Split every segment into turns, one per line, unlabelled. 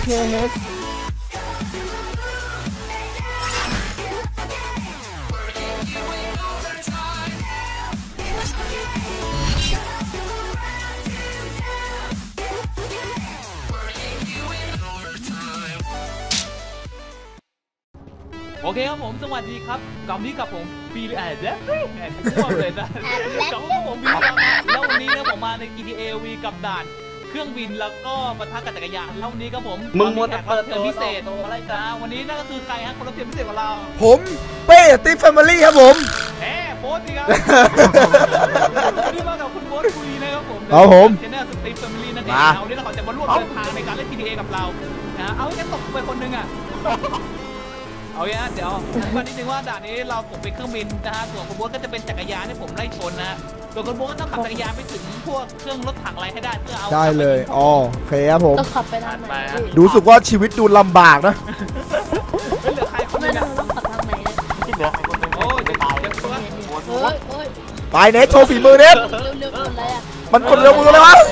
KH
โอเคครับผมสวัสดีครับกลับนี้กับผมปีแอดทั่วเลยนะกลับกับผมปีแล้ววันนี้นะผมมาใน GTA V กับด่านเครื่องบินแล้วก็ปะทะกับจักรยานแล้ววันนี้ครับผม
มึงมัวแต่
แขกรับเชิญพิเศษอะไรจ้าวันนี้นั่นก็คือใครฮะคนรับเชิญพิเศษของเรา
ผมเป้ติ๊กแฟมิลี่ครับผม
โบ๊ทสิครับวันนี้มากับคุณโบ๊ทคุยนะครับผมเจนเนอร์สติ๊กแฟมิลี่นั่นเองวันนี้เราจะมาร่วมเดินทางในการเล่น GTA กับเราเอาแค่ตกไปคนนึงอ่ะเอาอย่างนั้นเดี๋ยวก่อนนิดนึงว่าด่านนี้ผมเป็นเครื่องบินนะฮะส่วนคุณโบ๊ทก็จะเป็นจักรยานที่ผมไล่ชนนะส่วนคุณโบ๊ทต้องขับจักรยานไปถึงพวกเครื่องรถถังอะไรให้ได้เพื่อเอา
ได้เลยอ๋อโอเคครับผม
ต้องขับไปทางไหน
ดูสึกว่าชีวิตดูลำบากนะ
ไม่เหลือใครคนนึง
ต้องขับทางไหน
ที่เหลือใครคนนึง
โอ้ยจะตาย
ไปเน็ตโชว์ฝีมือเน็ตมันกดเร็วมือเลยวะ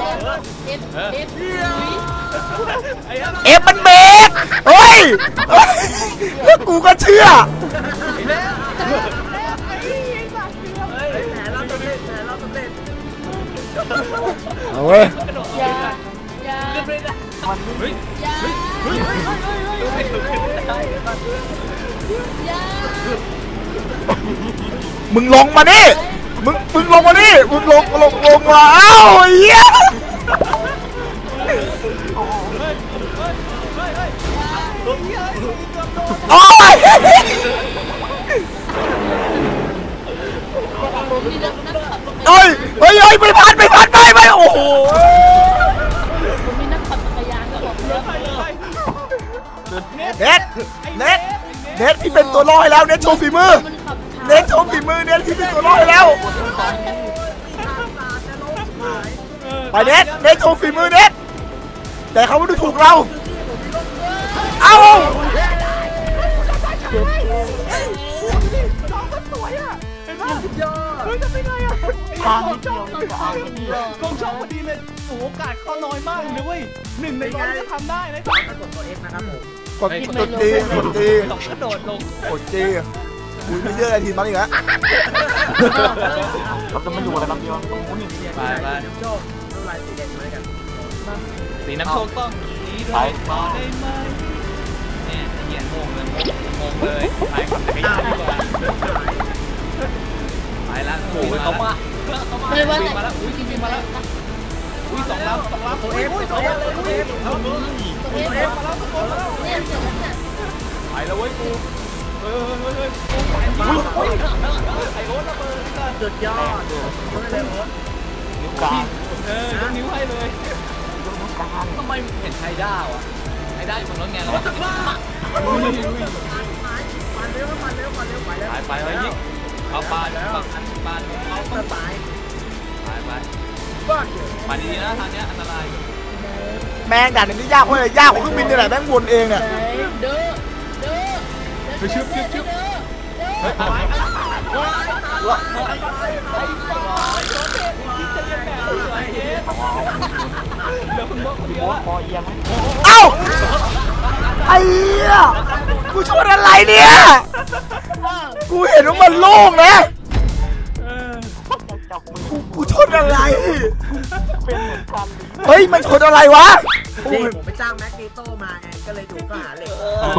เอฟมันเบรกเฮ้ยแล้วกูก็เชื่อเอาเว้ยมึงลงมาดิมึงลงมาดิมึงลงมาเอ้าเหี้ยโอ้ยเฮ้ยไม่พันไปโอ้โห
ผมมีนักขับจักรยานก็บอก
เน็ตที่เป็นตัวลอยแล้วเน็ตโชว์ฝีมือเน็ตที่เป็นตัวลอยแล้วไปเน็ตโชว์ฝีมือเน็ตแต่เขาไม่ดูถูกเราเอา
ทางนิดเดียวกองช่องพอดีเลยโอกาสเขาน้อยมากเลยเว้ย1 ใน 100จะทำได้นะกดตัว F นะครับผม
กดจี
กระโดดลง
กดจีอุ้ยไม่เชื่ออะไรทีมันอีกแล้ว
เราจะมาอยู่อะไรลำเดียวตรงนู้นอย่างนี้
ไปน้ำโชคน้ำลายสีแดงมาด้วยกันสีน้ำโชคต้องสีได้ไหมเนี่ยเหี้ยงงเลยไปขับจักรยานดีกว่าไปละโอ้ยเขามาแล้วอุ้ยจริงมาแล้วอุ้ย2 ลำตัวเอฟมาแล้วไปแล้วเว้ยกูไอโอ๊ตระเบิด
สุดยอดนิ้วกลาง
ยกนิ้วให้เลยทำไมเห็นไฮด้าวะไฮด้าอยู่บนรถไงเราไปยิงเอาปานเอาต้นไม้ไปดีนะทางนี้อันตราย
แม่งด่านนี้ยากเพราะอะไรยากกว่าเครื่องบินนี่แหละแม่งวนเองเนี่ย
ไปชึบ
เอ้าไอ้เหี้ยกูชนอะไรเนี่ยกูเห็นว่ามันโล่งนะกูชนอะไรเฮ้ยมันชนอะไรวะ
ผมไปจ้างแม็กนีโต้มาไงก็เลยถูกก็หาเหล็ก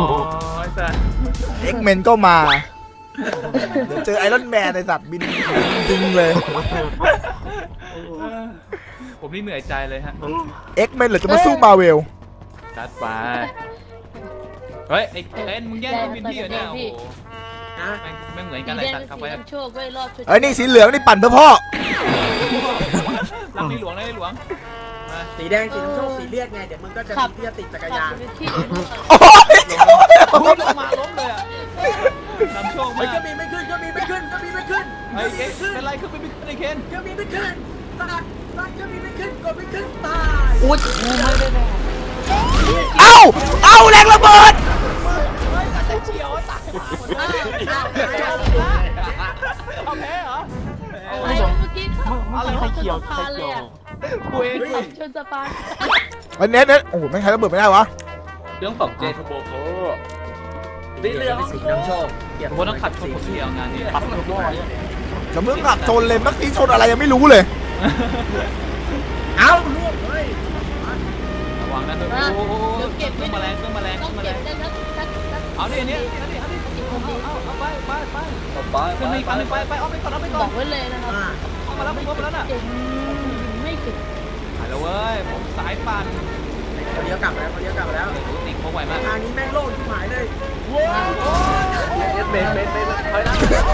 เอ็กเมนก็มาเดี๋ยวเจอไอรอนแมนในสัตว์บินจริงเลย
ผมนี่เหนื่อยใจเลยฮะ
เอ็กเมนหรือจะมาสู้มาเวล
จัดไปเฮ้ยไอ้เอ็นมึงแย่งเครื่องบินพี่เหรอเนี่ยโอ้โหไม่เหมือนกันเลยตัดเข้าไป
ไอ้นี่สีเหลืองนี่ปั่นเพื่อพ่อ
รับในหลวงได้หลวง
สีแดงสีน้ำโชคสีเลือดไงเดี๋ยวมึงก็จะมีที่จะติดจักรยาน
โอ้ย
ลงมาล้มเลยอ่ะน้ำโชค
ไม่ขึ้นไอ้
เคนเป็นไรขึ้นไปไม่ขึ้นไอ้เคน
ก็มีไม่ขึ้นตัดก็มีไม่ขึ้นกดไม่ขึ้นตาย
อุ้ยไม่ได้แน่
เอาแรงระเบิด
เฉียวตายเอาแพ้เหรอ
เมื่อกี้
อะไรใครเขียว
กูเอง
ชนสะพาน
เน็ตโอ้โหไม่ใครระเบิดไม่ได้วะ
เรื่องของเจทูโบโคสีเหลือง
สีน้ำโชค
ผมว่าต้องขับชนคนเดียวงานนี้
ขับทุกคน
จะมึงขับชนเลยเมื่อกี้ชนอะไรยังไม่รู้เลย
เอ้าล่วงเลย
ระวังนะโอ้โหเครื่องแมลงเครื่องแมลงเค
ต้
รื่
อ
อง งแมล
เก็บ
ง
ได้ทัก
เอาดิเนี่ยเอาไปขึ้นมาอีกคันนึงไปเอาไปก่อนเอาไป
บ
ก่อ
อน กไว้เลยนะครับ
เข้ามาแล้วผมมาแล้วน่ะ
เก่งไม่เก่ง
หายแล้วเว้ยผมสายปั่น
เขาเลี้ยวกลับแล้วเขาเลี้ยวกลับแล้ว
ติดเขาไหวมาก
ทางนี้แม่งโล่งชิบหายเลย
เบนถอยหลัง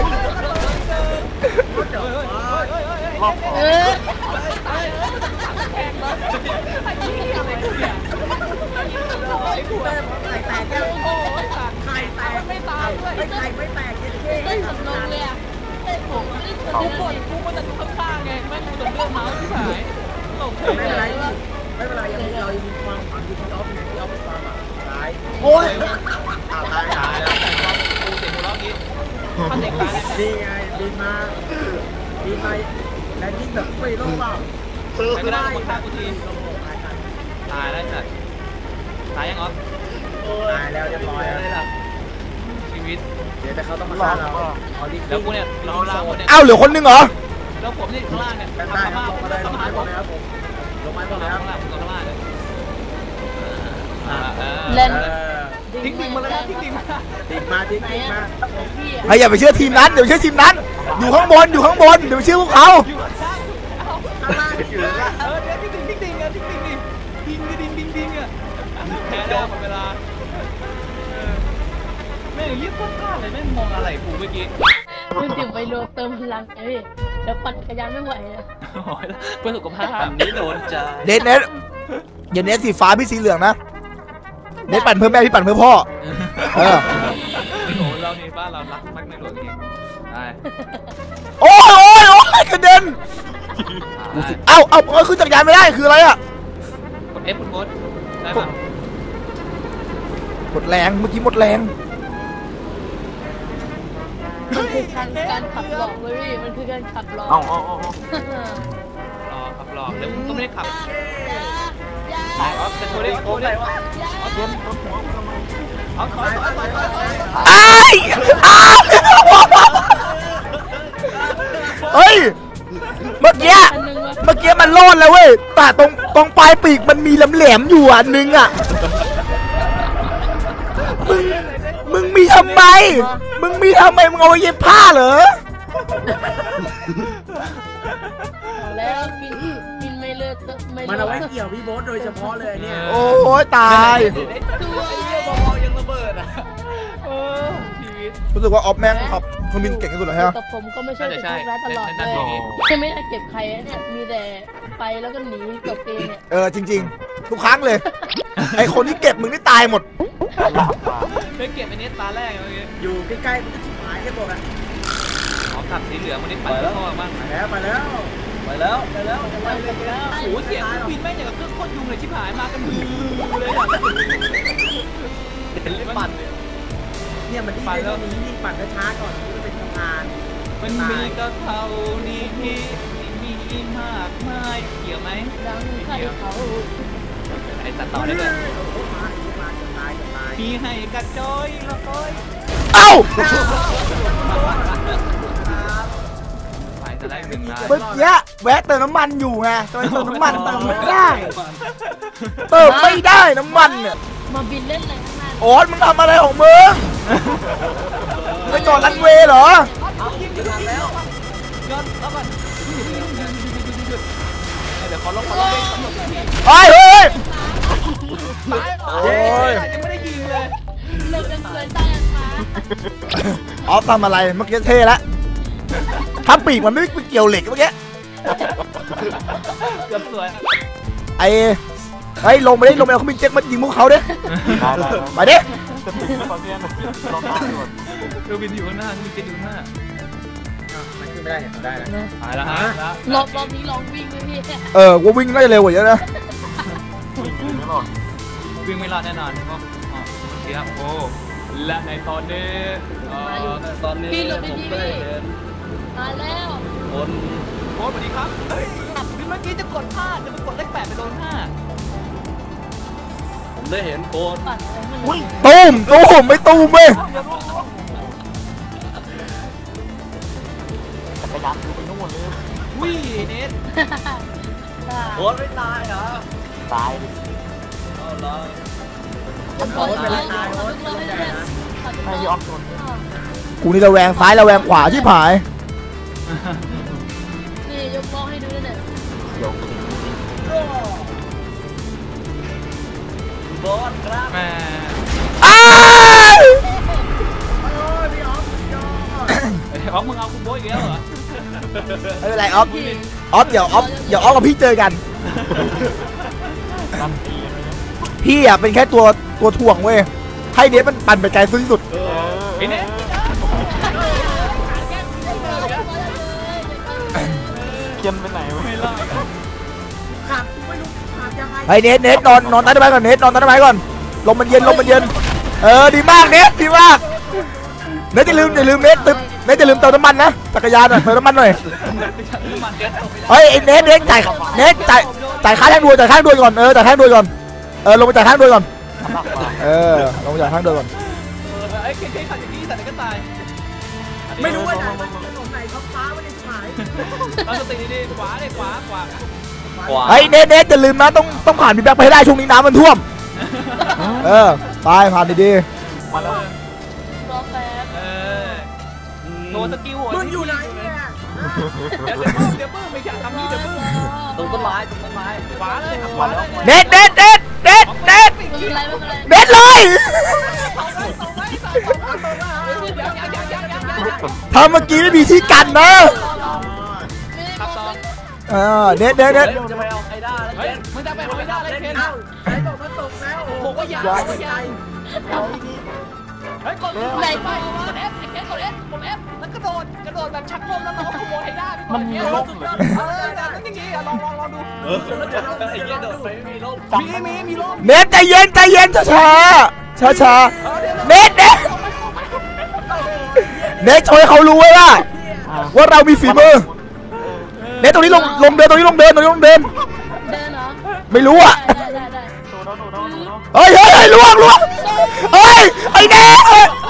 เดี๋ยว
รอบ
เออ
ไข่แตกแก้วไข่แตกไม่ตายไข่ไม่แตกเท่
ได้สำนงเลยอ่ะผมไม่ได้ชน
กู
เลย
กูมาจากข้างๆไงแม่งกูจะเลือกเมาส์ที่ไหนหลงเฉย
ไม่เป็นไรไม่เป็นไรยังมีเรายังมีความฝันอยู่ที่ออฟที่ออฟเป็นความแบบร้าย
โอ้ย
ตาย
แล้วแต่ว่ากูเสียงหัวเราะงี้ถ้าเด็กตาย
นี่ไงบินมาแลนดิ้งแบบไม่ต้องเปล่า
ใครก็ได้คนฆ่ากูทีตายแล้วจ้ะตายยังเหรอ
ตายแล้วเรียบร้อยแล้ว
ชีวิต
เดี๋ยวแต่เขาต้องมาฆ่าเราเอาดิ
แล้วกูเนี่ยเราล่างหมดเนี่ย
เอ้าเหลือคนนึงเหรอ
แล้วผมนี่ข้างล่างเนี่ย
แปล
ทำ
ได้
มา
ครับลงมาเลยลงไม้ก่อนเลยครับผมลงไม้ก่อนเลยครับ
ข้างล่างข้างล่างเนี่ย
เล่น
ทิ้งดิ่งมาเลยนะทิ้งดิ่งมา
ดิ่งมาดิ่ง
ไหน
มา
อ่ะพี่อ่ะ
ไอ้อย่าไปเชื่อทีมนั้นเดี๋ยวไปเชื่อทีมนั้น อยู่ข้างบนเดี๋ยวไปเชื่อพวกเขา
อยู่ข้างล่าง
ข้างล่างอยู่เลย
เดี๋ยวทิ้งดิ่งอ่ะทิ้งดิ่งอ่ะแพ้แล้วหมดเวลาแม่งรีบพลาดเลยแม่งมองอะไรกูเมื่อกี้
คุณติ๋วไปโดนเติมพลังเอ้ยเดี๋ยวปั่นจักรยานไม่ไหวอ่ะ
เพื่อสุขภาพ
อันนี้โดนใจ
เน็ตอย่าเน็ตสีฟ้าพี่สีเหลืองนะเน็ตปั่นเพื่อแม่พี่ปั่นเพื่อพ่อเออ
โอ้เรานี่บ้านเรารักมากในหลวงจริงได้
โอ้ยกระเด็นเอ้าขึ้นจักรยานไม่ได้คืออะไรอ่ะ
กด F กดงดได้ป่ะ
หมดแรงเมื่อกี้หมดแรง
มันคือการขับหลอกเลยพี่มันคือการขับหลอก
เอา
รอขับหลอกแล้วมึงก็ไม่ได้ขับ
อย่า
เอาจะโชว์ได้โชว์ได้เอาชนเอาถอย
เฮ้ยเมื่อกี้มันรอดแล้วเว้ยแต่ตรงปลายปีกมันมีแหลมอยู่อันนึงอ่ะมึงมีทำไมมึงเอาไว้เย็บผ้าเหรอ
แล้วกินไม่เลิกไม่
มัน
เลิ
เอาไว้
ก
เกี่ยวพี่โบ๊ทโดยเฉพาะเลยเนี่ย
โอ้ยตาย
ตัว
ยังระเบิดอ่ะชีวิต
รู้สึกว่าออฟแม่งขับเครื่องบินเก่งที่สุดเลยฮะ
แต่ผมก็ไม่ใช่เป็นพวกร้ายตลอดเลยจะไม่ได้เก็บใครเนี่ยมีแต่ไปแล้วก็หนีจบเองเนี่ย
จริงๆ ทุกครั้งเลย ไอคนที่เก็บมึงนี่ตายหมด
ไม่เก็บไอ้นี้ตาแรกเมื่อกี้
อยู่ใกล้ๆมันก็ชิบหายแค่บอกอ่ะ
ขอขับสีเหลืองมันได้ปั่นข้อบ้าง
ไปแล้ว
โอ้เสียงบินแม่งอย่างกับเครื่องโคตรยุงเลยชิบหายมากันมือเลยอ่ะ
เป็นเล่นปั่นเลย
เนี่ยมันดีเท่านี้นี่ปั่นช้าๆก่อนที่จะเป็นสะพาน
มันมีก็เท่านี้ที่มีมากมายเกี่ยวไหม
ดังใครเขา
ไอ้สัตว์ต่อได้เลย
มาจะตาย
มีให้กระจอยละก้อย
เอ้า
ไปจะได้หนึ่งนาย
เมื่อกี้แวะเติมน้ำมันอยู่ไงเติมน้ำมันเติมไม่ได้น้ำมันเนี่ย
มาบินเล่นอะไรข้างหน้า
โอ๊ตมึงทำอะไรของมึงไปจอดรันเวย์เหรอ
ย้อนแล้วก่อนเดี๋ยวขอลงเบรกสำรวจที
เฮ้ย
ตายโอ้ยยังไม่ได้ยิงเลย
เลิกกันเคยตายกันมา
ออฟทำอะไรเมื่อกี้เท่แล้วถ้าปีกมันไม่เกี่ยวเหล็กเมื่อกี้
เกือบสวย
เฮ้ยลงไปเอาเครื่องบินเจ็ตมายิงพวกเขาดิไปดิ
เรือบินอยู่ข้างหน้ามีเจ็ตอยู่ข้างหน้า
มันขึ้นไม่ได้เนี่ยได้แล้ว
ตายแล้วฮะ
รอบนี้ลองวิ่งเลยพี่
ว่าวิ่งน่าจะเร็วกว่าเยอะนะ
วิ่งไม่รอดแน่นอนเพราะเชียร์โอ้และในตอนนี้
พี่หลบดีๆพี่มาแล้ว
โค้ดสวัสดีครับเฮ้ยเมื่อกี้จะกดพลาดจะไปกดเลข8ไปโดน5
ได้เห็นโคน
ปัดไปมัน
ตูมไม่ตูมเว้ย
จักรยานไปนู่นเลย
วิ่งเนท
โคนไม่ตายเหรอ
ตาย
เอาละ
โอ้ยเป็นไรตายโอ้ยไม่ยอมชน
กูนี่ระแวงซ้ายระแวงขวาชิบหาย
นี่ยกมองให้ดูเนี่ย
บอสครับ
แม่
อ้าว
อ๋อมึงเอาคุณโบ๊ทอีกแล้วเหรอ
ไม่เป็นไรออฟเดี๋ยวออฟกับพี่เจอกัน พี่อ่ะเป็นแค่ตัวถ่วงเว้ยให้เนทมันปั่นไปไกลที่สุด
ไอ้เนท
เกียนไปไหนวะ
ไม่รอด
ขับไม่รู้ขับยังไง
ไอ้เนทนอนใต้ต้นไม้ก่อนเนทนอนใต้ต้นไม้ก่อนลมมันเย็นดีมากเนทดีมากเนทอย่าลืมเนทอย่าลืมเติมน้ำมันนะจักรยานอ่ะเติมน้ำมันหน่อย
น้ำมันเด็ด
เฮ้ยไอ้เนทจ่ายค่าทางด่วนก่อนจ่ายค่าทางด่วนก่อนลงไปจ่ายค่าทางด่วนก่อนลงไปจ่ายค่าทางด่วนก่อน
ไอ้เคขัดอย่างนี้แต่ไหนก็ตาย
ไม่รู้ว่าไหนมันถนนไหนเขาฟ้าไม่ได้หาย
เอาสติดีๆขวาเลยขวา
ไอ้เนทอย่าลืมนะต้องผ่านพี่แบ็คไปให้ได้ช่วงนี้น้ำมันท่วมไปผ่านดี
มาแล้ว
รอแป๊บ
โดนสกิล
มึงอยู่ไหนเนี่ย
เดี๋ยวปื้มไม่อยากทำนี่เดี๋ยวปื้ม
ตรงต้นไม้
ขวาเลยขวาเลย
ๆเนท
ไม่เป็นไร
เนทเลย ถ้าเมื่อกี้ไม่มีที่กันนะ
ขับต่อ
เนท
จะไปเอาไฮด้าแล้ว
เฮ้ยมึงจะไปเอาไม่ได้เลยเคน
เอ้าไหนบอกมันตกแล้ว
บอกว่าอย่าเฮ้ยกดไหนไปกด F ไอ้เคนกด F ผม F แล้วกระโดดแบบชักลมแล้วน้องขโมยไฮด้ามันมีลมนั่นอย่างงี้ลองดู
ไอ้เหี้ยโดดไปไม่มีร่ม
มีลม
เนทใจเย็นช้าเนทโชว์ให้เขารู้ไว้ว่าเรามีฝีมือเนทตรงนี้ลงเดิน
เดินเหรอ
ไม่รู้อ่ะ
ได้
เฮ้ยล่วงเฮ้ยไอ้เนท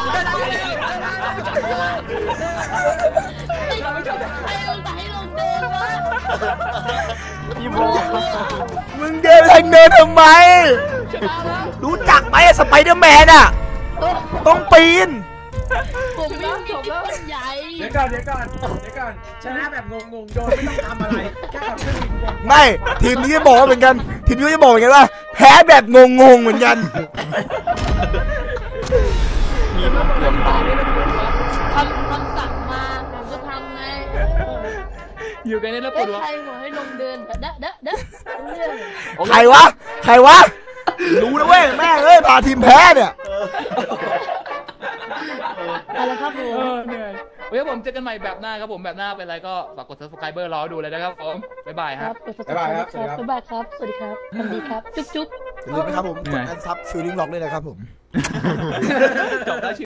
ให้ลงเดินวะ
พี่โบ
มึงเดินทางเดินทำไมรู้จักไหมสไปเดอร์แมนอ่ะต้องปีน
ผมวิ่งจบแล้วใหญ่
เดี๋ยวก่อนชนะแบบงงโดนไม่ต้องทำอะไรแค่ขับเครื่องบินวน
ไม่ทีมนี้จะบอกว่าเหมือนกันว่าแพ้แบบงงเหมือนกัน
คำสั่งมาผมจะทำไง
อยู่กันนี่แล้วปวดหัว
ใครบอกให้ลงเดินเด้เรื่อง
ใครวะรู้นะเว้ยแม่งพาทีมแพ้เนี่ย
อะไรครับผม
เหนื่อยเฮ้ยผมเจอกันใหม่แบบหน้าครับผมแบบหน้าเป็นไรก็ฝากกด subscriber รอดูเลยนะครับผมบ๊ายบาย
ค
ค
รั
รั
บบ บ๊ายบายครับ สวัสดีครับสวัสดีครับ จุ๊บ
อย่าลืมนะครับผมกดอันซับฟิลลิ่งล็อกด้วยนะครับผม
จบแล้ว